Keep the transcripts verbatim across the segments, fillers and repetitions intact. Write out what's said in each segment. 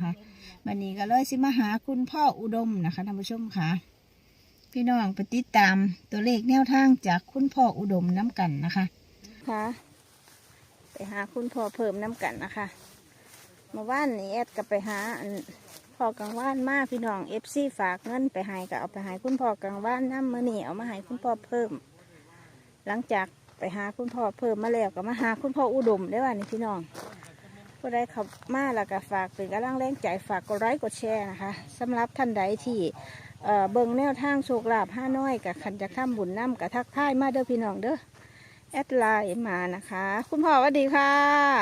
นะคะวันนี้ก็เลยสิมาหาคุณพ่ออุดมนะคะท่านผู้ชมค่ะพี่น้องไปติดตามตัวเลขแนวทางจากคุณพ่ออุดมน้ำกันนะคะค่ะไปหาคุณพ่อเพิ่มน้ำกันนะคะมาว่านนี้แอดก็ไปหาพ่อกลางว่านมาพี่น้องเอฟซีฝากเงินไปให้ก็เอาไปให้คุณพ่อกลางว่านน้ำมือนี่เอามาให้คุณพ่อเพิ่มหลังจากไปหาคุณพ่อเพิ่มมาแล้วก็มาหาคุณพ่ออุดมได้ว่านี่พี่น้องก็ได้ขับมาแล้วก็ฝากเป็นกำลังแรงใจฝากกดไลค์กดแชร์นะคะสำหรับท่านใดที่เอ่อเบิ่งแนวทางโชคลาภห้าน้อยกับขันจะข้ามบุญน้ำกับทักทายมาเด้อพี่น้องเด้อแอดไลน์มานะคะคุณพ่อสวัสดีค่ะ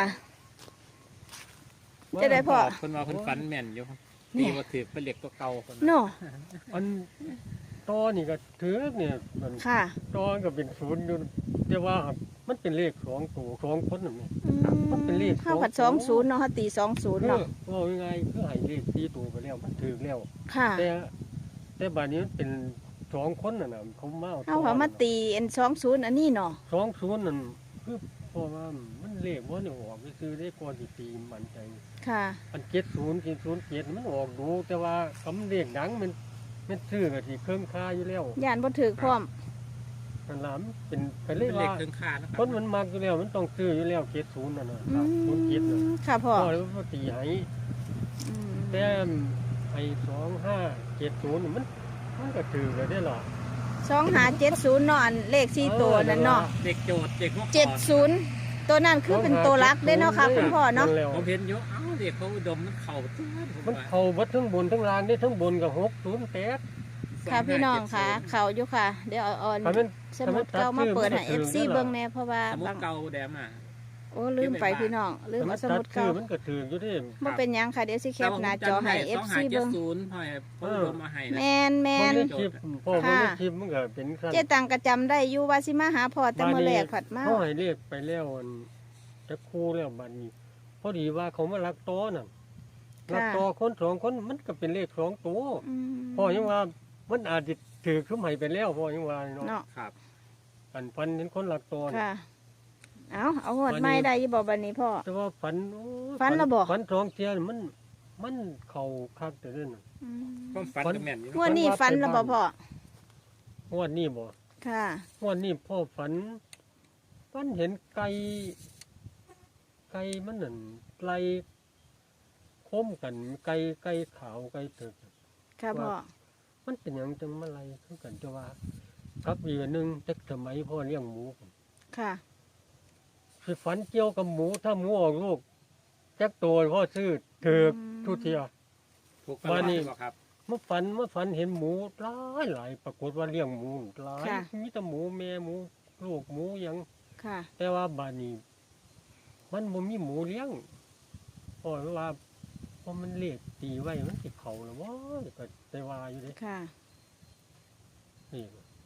จะได้พ่อคนว่าคนฝันแม่นอยู่มีวัตถุเป็นเหล็กตัวเก่าคนเนาะอันตอนี่ก็ถือเนี่ยมันตอก็เป็นศูนย์อยู่แต่ว่ามันเป็นเลขสองตัวสองคนนั่นเองมันเป็นเลขเข้าผัดสองศูนย์เนาะตีสองศูนย์เนาะว่ายังไงคือให้เลขสี่ตัวไปแล้วมันถือแล้วค่ะแต่แต่บานนี้มันเป็นสองคนน่ะนะเขามาเอาเขามาตีเอ็นสองศูนย์อันนี้เนาะสองศูนย์นั่นคือเพราะว่ามันเลขว่าเนี่ยออกไปซื้อได้ก่อนที่ตีมันใจค่ะอันเจ็ดศูนย์เจ็ดศูนย์เจ็ดมันออกดูแต่ว่าคำเลขดังมันมันซื้อกับที่เครื่องค่าอยู่แล้วย่านบ่ถือพร้อมนั่นล่ะเป็นไปเลยว่าคนมันมากอยู่แล้วมันต้องซื้ออยู่แล้วเจ็ดศูนย์นั่นน่ะศูนย์เจ็ดน่ะค่ะพ่อพ่อเลยว่าตีให้แต่ไอ้สองห้าเจ็ดศูนย์มันมันก็ถือกันได้หรอสองห้าเจ็ดศูนย์เนาะเลขสี่ตัวนั่นเนาะเด็กโจทย์เด็กเจ็ดศูนย์ตัวนั้นคือเป็นตัวรักได้เนาะค่ะคุณพ่อเนาะผมเห็นเยอะเอ้าเด็กเขาอุดมมันเข่าตัวมันเข่าวัดทั้งบนทั้งล่างได้ทั้งบนกับหกศูนย์แปดค่ะพี่น้องค่ะเข่าอยู่ค่ะเดี๋ยวเอาสมุดเก่ามาเปิดให้เอฟซีเบิ้งแน่เพราะว่าสมุดเก่าแดมอ่ะโอ้ลืมไปพี่น้องลืมเอาสมุดเก่ามันก็ถืออยู่ที่มันเป็นยังค่ะเดี๋ยวสิแคปหน้าจอให้เอฟซีเบิ้งแมนแมนพ่อมันไม่คลิปมันก็เป็นเจ๊ตังกระจำได้อยู่ว่าสิมาหาพ่อแต่เมื่อแรกผัดมาเขาให้เรียกไปแล้วจะคู่แล้วบัดนี้พอดีว่าเขามาลักโตน่ะลักโตคนสองคนมันก็เป็นเลขสองตัวพ่อยังว่ามันอาจจะถือขึ้นใหม่ไปแล้วพ่อยังว่าเนาะครับอันฟันเห็นคนลักโตค่ะเอาเอาหดไม่ได้ยี่บอกบันนี้พ่อแต่ว่าฝันฝันระบอกฝันสองเทียนมันมันเข่าคักแต่เรื่องความฝันกับแม่นงวดนี้ฝันระบอกพ่องวดนี้บ่ค่ะงวดนี้พ่อฝันฝันเห็นไก่ไก่มันนั่นไก่โค้มกันไก่ไก่ขาวไก่เถิดค่ะพ่อมันเป็นอย่างจังมาไรคือกันจะว่ากับอีกหนึ่งเด็กสมัยพ่อเลี้ยงหมูค่ะคือฝันเกี่ยวกับหมูถ้าหมูออกลูกแจ็คตัวพ่อซื้อเถือกทุเทียวันนี้ครับเมื่อฝันเมื่อฝันเห็นหมูหลายหลายปรากฏว่าเลี้ยงหมูหลายมีแต่หมูแม่หมูลูกหมูยังแต่ว่าบ้านนี้มันบ่มีหมูเลี้ยงเพราะว่าเพราะมันเลี้ยงตีไว้มันติดเขาแล้วว่าก็แต่ว่าอยู่ดิค่ะนี่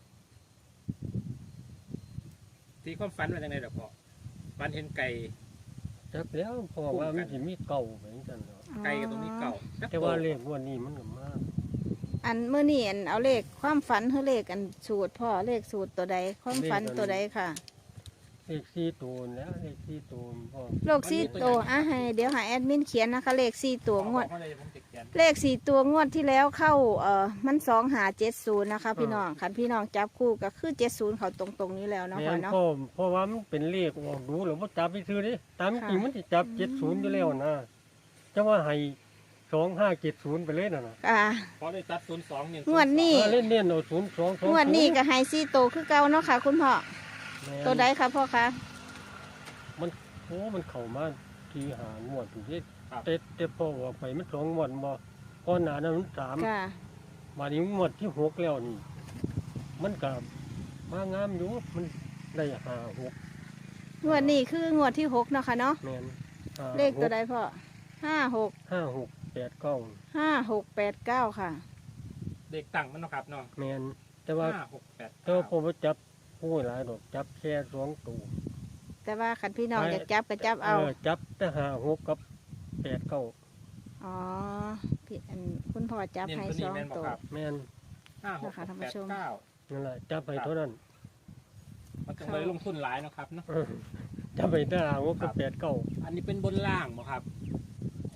ที่ความฝันว่าจังได๋ดอกพ่อฝันเห็นไก่จักแล้วเพราะว่ามันสิมีเก่าเหมือนกันเนาะไก่กับตรงนี้เก่าแต่ว่าเลขวันนี้มันก็มากอันเมื่อนี่อันเอาเลขความฝันคือเลขอันสูตรพ่อเลขสูตรตัวใดความฝันตัวใดค่ะเลขสี่ตัวแล้วเลขสี่ตัวพ่อเลขสี่ตัวอ่ะให้เดี๋ยวหาแอดมินเขียนนะคะเลขสี่ตัวงวดเลขสี่ตัวงวดที่แล้วเข้าเอ่อมันสองหาเจ็ดศูนย์นะคะพี่น้องขันพี่น้องจับคู่ก็คือเจ็ดศูนย์เขาตรงตรงนี้แล้วเนาะพ่อเนาะเพราะว่ามันเป็นเลขออกดูหรือว่าจับไปซื้อดิตามจริงมันจะจับเจ็ดศูนย์อยู่แล้วนะจะว่าให้สองห้าเจ็ดศูนย์ไปเลยนะอ่าพอได้ตัดศูนย์สองเนี่ยงวดนี้เล่นเล่นเอาศูนย์สองงวดนี้ก็ให้สี่ตัวคือเก่าเนาะค่ะคุณพ่อตัวใดคะพ่อคะมันโอ้มันเข่ามาทีหางวดถูกที่เต็ดเต็ดพอออกไปมันสองงวดบ่ก้อนหนานั้นมันสามมานี้งวดที่หกแล้วนี่มันกับมางามอยู่มันได้ห้าหกงวดนี้คืองวดที่หกเนาะค่ะเนาะเลขตัวใดพ่อห้าหกห้าหกแปดเก้าห้าหกแปดเก้าค่ะเด็กตั้งมันเนาะครับเนาะแมนแต่ว่าห้าหกแปดแต่ว่าพอไปจับผู้หลายดอกจับแค่สองตัวแต่ว่าขันพี่น้องอยากจับก็จับเอาจับแต่ห้าหกกับแปดเก้าอ๋อพี่อันคุณพ่อจับให้สองตัวแมนห้าหกแปดเก้านั่นแหละจับไปเท่านั้นมันจะไปลงทุนหลายนะครับเนาะจับไปแต่ห้าหกกับแปดเก้าอันนี้เป็นบนล่างบ่ครับคู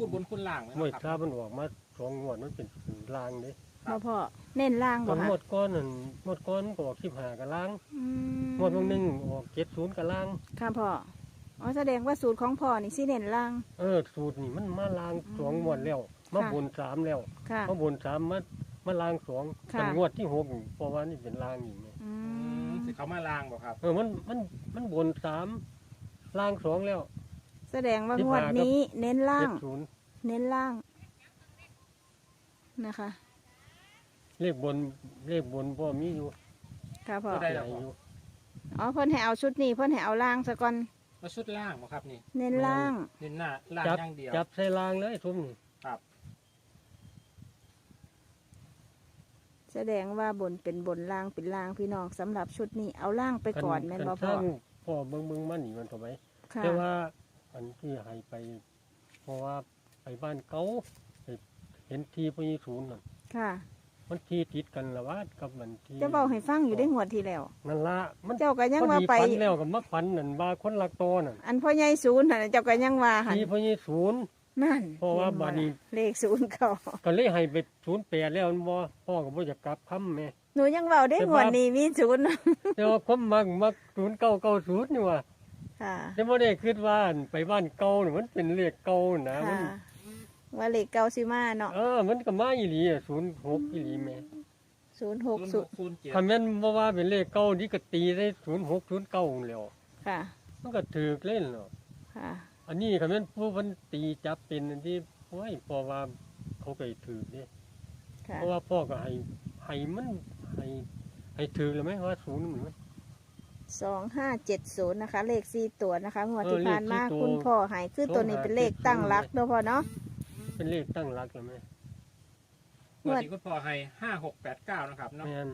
คุณบนคุณล่างไหมมวยคครัรับบ มันออกมาสองงวดมันเป็นลางเด้บ่พ่อเน้นล่างตบ่อนคะหมดก้อนนั่นหมดก้อนก็ออกสิบห้ากับลางอืมหมดวงหนึงออกเจ็ดศูนย์กับลางค่ะพ่ออ๋อแสดงว่าสูตรของพ่อนี่สิเน้นล่างเออสูตรนี่มันมาลางสองงวดแล้วมาค่ะบนสามแล้วค่ะมาบนสามมามาลางสองค่ะเป็นงวดที่หกเพราะว่านี่เป็นลางอีกไงอือืมมสิเขามาล่างบ่ครับเออมันมันมันบนสามลางสองแล้วแสดงว่างวดนี้เน้นล่าเจ็งดศูนย์เน้นล่างนะคะเลขบนเลขบนพ่อมีอยู่ค่ะพ่อก็ได้ใหแล้ญ่วอยู่อ๋อเพิ่นให้เอาชุดนี้เพิ่นให้เอาล่างซะก่อนแล้วชุดล่างบ่ครับนี่เน้นล่างเน้นหน้าล่างจับอย่างเดียวจับใส่ลางเลยทุ่มนี่ครับแสดงว่าบนเป็นบนล่างเป็นล่างพี่น้องสำหรับชุดนี้เอาล่างไปก่อนแม่นบ่พ่อคันพ่อเบิ่งเบิ่งมานี่มันถูกไหมค่ะแต่ว่าอันที่ให้ไป เพราะว่าไปบ้านเขาไปเห็นทีพญีศูนย์น่ะค่ะมันทีติดกันละว่ากับมันทีจะเว้าให้ฟังอยู่ได้งวดที่แล้วนั่นละมันเจ้าก็ยังพอว่าดีไปฝันแล้วกับมาฝันนั่นว่าคนลักโตนั่นอันพ่อใหญ่ศูนย์น่ะเจ้าก็ยังว่าหั่นทีพญีศูนย์นั่นเพราะว่าบัดนี้เลขศูนย์เขาก็เลยให้ไปศูนย์แปดแล้วมันบ่พ่อก็บ่อยากกลับคำแม่หนูยังเว้าได้งวดนี้มีศูนย์แต่ว่าความมักมักศูนย์เก้าเก้าศูนย์นี่ว่าค่ะแต่บ่ได้คิดว่าไปบ้านเก่านี่มันเป็นเลขเก่านะมัค่ะนว่าเลขเก้าสิมาเนาะเออ มันก็มาอีหลีอ่ะศูนย์หกอีหลีแม่ศูนย์หกศูนย์ศูหนย์กศูนย์เจ็ดคันแม่นบ่ว่าเป็นเลขเก่านี่ก็ตีได้ศูนย์หกศูนย์เก้าแล้วค่ะมันก็ถูกเล่นเนาะค่ะอันนี้คันแม่นผู้เพิ่นตีจับเป็นอันที่โอ้ยเพราะว่าเขาก็ให้ถูกเด้ค่ะเพราะว่าพ่อก็ให้ให้มันให้ให้ถูกแล้วไหมว่าศูนย์มันไหมสองห้าเจ็ดศูนย์นะคะ เลขสี่ตัวนะคะงวดเออที่ผ่านมาเลขสี่ตัวคุณพ่อใหายคือตัวนี้เป็นเลขตั้งรักเนาะพ่อเนาะเป็นเลขตั้งหลักแล้วแม่งวดที่คุณพ่อให้ห้าหกแปดเก้านะครับเนาะแม่น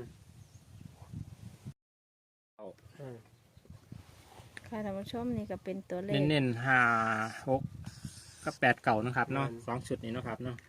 เอาเออค่ะท่านผู้ชมนี่ก็เป็นตัวเลขเน้นๆห้าหกกับแปดเก่านะครับเนาะสองชุดนี้เนาะครับเนาะ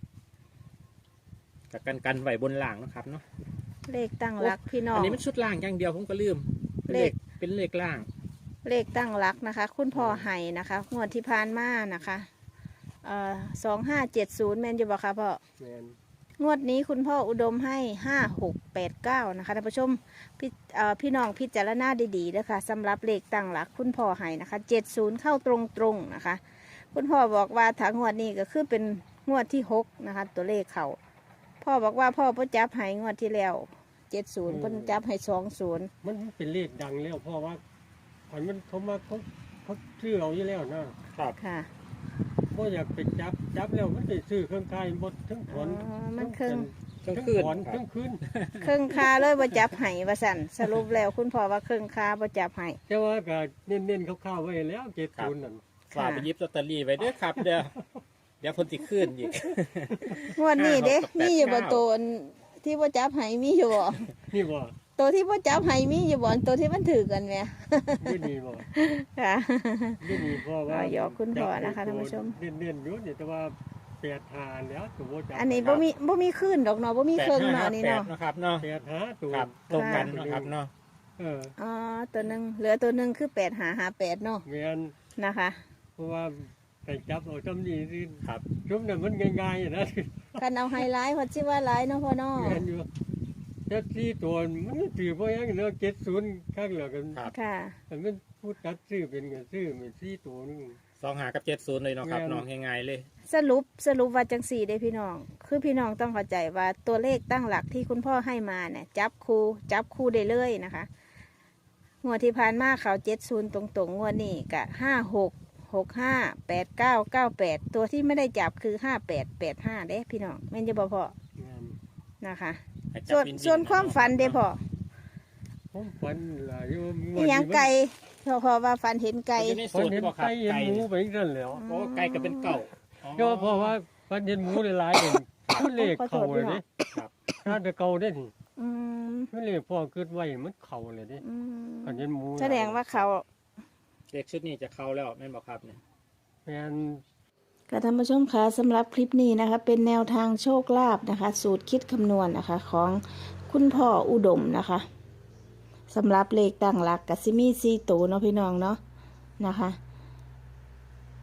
กับกันกันไหวบนล่างเนาะครับเนาะเลขตั้งรักพี่น้ออันงนี้มันชุดล่างอย่างเดียวผมก็ลืมเป็นเลเลขขเป็นเลขล่างเลขตั้งรักนะคะ คุณพ่อใหายนะคะงวดที่ผ่านมานะคะเอ่อสองห้าเจ็ดศูนย์แมนอยู่บ่คะพ่อแม่นงวดนี้คุณพ่ออุดมให้ห้าหกแปดเก้านะคะท่านผู้ชมพี่เอ่อพี่น้องพิจารณาดีๆนะคะสำหรับเลขตั้งหลักคุณพ่อให้นะคะเจ็ดศูนย์เข้าตรงๆนะคะ คุณพ่อบอกว่าถ้างวดนี้ก็คือเป็นงวดที่หกนะคะ ตัวเลขเขาพ่อบอกว่าพ่อพ่อจับให้งวดที่แล้วเจ็ดศูนย์พ่อจับให้สองศูนย์มันเป็นเลขดังแล้วเพราะว่าอันมันเขามาเขาเขาซื้อเอาอยู่แล้วนะครับค่ะบ่อยากไปจับจับแล้วมันไปซื้อเครื่องกายหมดทั้งถอ๋ออน มันครึ่งเครื่องทั้งคืนถอนครับทั้งคืนครึ่งคาเลยว่าจับให้ว่าสั่นสรุปแล้วคุณพ่อว่าครึ่งคาว่าจับให้แต่ว่าก็เน้นๆคร่าวๆไว้แล้วเจ็ดศูนย์นั่นฝากไปหยิบลอตเตอรี่ไว้ด้วยครับ เดี๋ยวเดี๋ยวคนติขึ้นอีกงวดนี้เด้ห้าหกกับแปดมีอยู่บ่เก้าตัวที่ว่าจับให้มีอยู่บ่นี่บ่ตัวที่พ่อจับให้มีอยู่บ่ตัวที่มันถือกันไหมไม่ดีบ่ค่ะไม่ดีเพราะว่าอ่ายกคุณพ่อนะคะท่านผู้ชมเน้นๆอยู่นี่แต่ว่าแปดหาแล้วตัวบ่จับอันนี้บ่มีบ่มีขึ้นดอกเนาะบ่มีแปดเครื่องห้าเนาะห้านี่แปดเนาะนะครับเนาะแปดหาตัวครับตรงกันนะครับเนาะเอออ๋อตัวหนึงเหลือตัวหนึงคือแปดหาหาแปดเนาะแม่นนะคะเพราะว่าไปจับเอาจำนี้สิครับชุบน่ะมันง่ายๆนะคันเอาไฮไลท์เพอสิว่าไลท์เนาะพ่อเนาะแม่นอยู่แต่ที่ตัวมันถือเพราะยังเนาะเจ็ดศูนย์ข้างเหลือกันครับค่ะแต่มันพูดตัดซื้อเป็นเงินซื้อเป็นที่ตัวนึงสองหากับเจ็ดศูนย์เลยเนาะครับแม่นน้องง่ายๆเลยสรุปสรุปว่าจังสี่เด้พี่น้อง คือพี่น้องต้องเข้าใจว่าตัวเลขตั้งหลักที่คุณพ่อให้มาเนี่ยจับคู่จับคู่ได้เลยนะคะงวดที่ผ่านมาเขาเจ็ดศูนย์ตรงๆงวดนี้กะห้าหกหกห้าแปดเก้าเก้าแปดตัวที่ไม่ได้จับคือห้าแปดแปดห้าเด้พี่น้องแม่นจะบอกพ่องานนะคะให้จับส่วนวิๆส่วนความฝันเด้พ่อผมฝันหลายอยู่อีหยังไก่พ่อพอว่าฝันเห็นไก่มันอยู่ในฝัสูนตรเห็ที่นบอกครับไก่เห็นไก่หมูไปนั่นแหล้วเพราะว่าไก่ก็เป็นเก่าอ๋อก็เพราะว่าฝันเห็นหมูหลายๆเป็นมันเลขเข่าเลยเด้ครับถ้าจะเก่าได้นี่อืมมันเลขพ่อเกิดไว้มันเข่าเลยเด้อืมฝันเห็นหมูแสดงว่าเขาเด็กชุดนี้จะเข้าแล้วแม่นบอกครับเนี่ยแม่นค่ะท่านผู้ชมคะสำหรับคลิปนี้นะคะ เป็นแนวทางโชคลาภนะคะ สูตรคิดคำนวณนะคะ ของคุณพ่ออุดมนะคะสำหรับเลขตั้งหลักกับซิมีซีตูเนาะพี่น้องเนาะนะคะ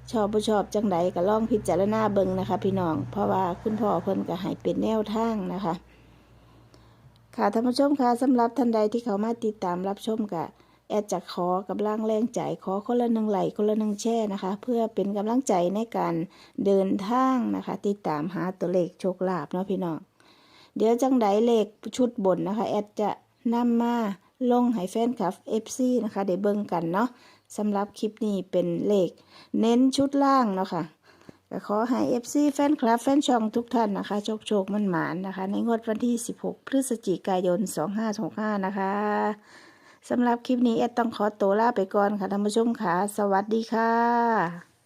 ชอบบ่ชอบจังใดก็ลองพิจารณาเบิ่งนะคะ พี่น้องเพราะว่าคุณพ่อเพิ่นก็ให้เป็นแนวทางนะคะค่ะท่านผู้ชมค่ะสำหรับท่านใดที่เขามาติดตามรับชมกะแอดจะขอกำลังแรงใจขอคนละหนึ่งไลค์คนละหนึ่งแชร์นะคะ เพื่อเป็นกำลังใจในการเดินทางนะคะ ติดตามหาตัวเลขโชคลาภเนาะพี่น้องเดี๋ยวจังใดเลขชุดบนนะคะแอดจะนำมาลงให้แฟนคลับ เอฟ ซี นะคะได้เบิ่งกันเนาะสำหรับคลิปนี้เป็นเลขเน้นชุดล่างเนาะค่ะก็ขอให้ เอฟ ซี แฟนคลับแฟนช่องทุกท่านนะคะโชคโชคมันหมานนะคะในงวดวันที่สิบหกพฤศจิกายนสองห้าหกห้านะคะสำหรับคลิปนี้แอดต้องขอตัวลาไปก่อนค่ะท่านผู้ชมค่ะสวัสดีค่ะ